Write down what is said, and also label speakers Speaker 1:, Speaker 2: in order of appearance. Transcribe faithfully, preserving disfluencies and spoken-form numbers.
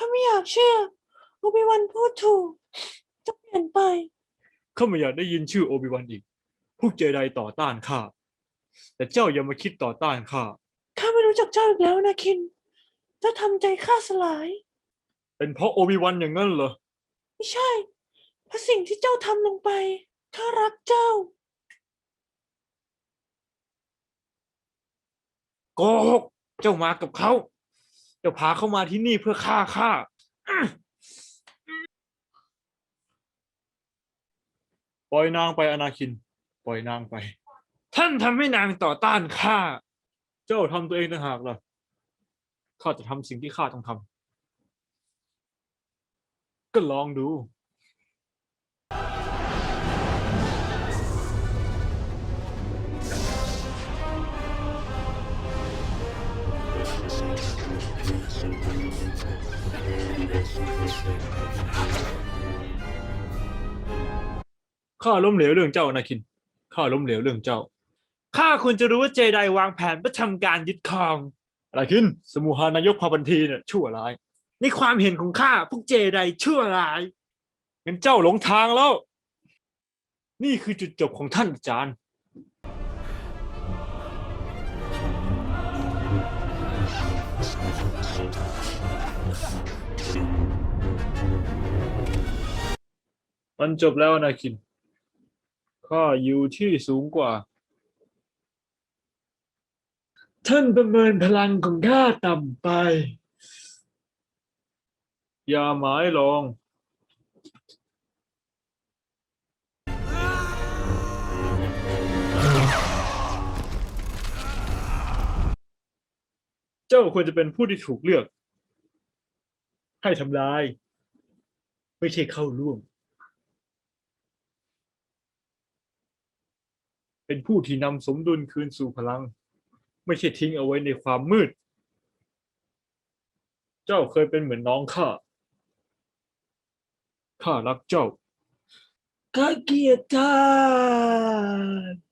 Speaker 1: ไม่อยากเชื่อโอบิวันพูดถูกเจะเปลี่ยนไป
Speaker 2: ข้าไม่อยากได้ยินชื่อโอบิวันอีกพวกเจไดต่อต้านข้าแต่เจ้าอย่ามาคิดต่อต้านข้า
Speaker 1: ข้าไม่รู้จักเจ้าอีกแล้วนะคินเจ้าทำใจข้าสลาย
Speaker 2: เป็นเพราะโอบิวันอย่างนั้นเหรอ
Speaker 1: ไม่ใช่เพราะสิ่งที่เจ้าทำลงไปข้ารักเจ้า
Speaker 2: โกหกเจ้ามากับเขาเจ้าพาเขามาที่นี่เพื่อฆ่าข้าอื้อปล่อยนางไปอนาคินปล่อยนางไปท่านทำให้นางต่อต้านข้าเจ้าทำตัวเองต่างหากล่ะข้าจะทำสิ่งที่ข้าต้องทำก็ลองดูข้าล้มเหลวเรื่องเจ้าอนาคินข้าล้มเหลวเรื่องเจ้าข้าควรจะรู้ว่าเจไดวางแผนเพื่อทำการยึดครองอนาคินสมุหานายกพาบันทีเนี่ยชั่วร้ายในความเห็นของข้าพวกเจไดชั่วร้ายงั้นเจ้าหลงทางแล้วนี่คือจุดจบของท่านอาจารย์มันจบแล้วอนาคินข้าอยู่ที่สูงกว่าท่านประเมินพลังของข้าต่ำไปอย่าหมายลองเจ้าควรจะเป็นผู้ที่ถูกเลือกให้ทำลายไม่ใช่เข้าร่วมเป็นผู้ที่นำสมดุลคืนสู่พลังไม่ใช่ทิ้งเอาไว้ในความมืดเจ้าเคยเป็นเหมือนน้องข้าข้ารักเจ้า
Speaker 1: ข้าเกลียดท่าน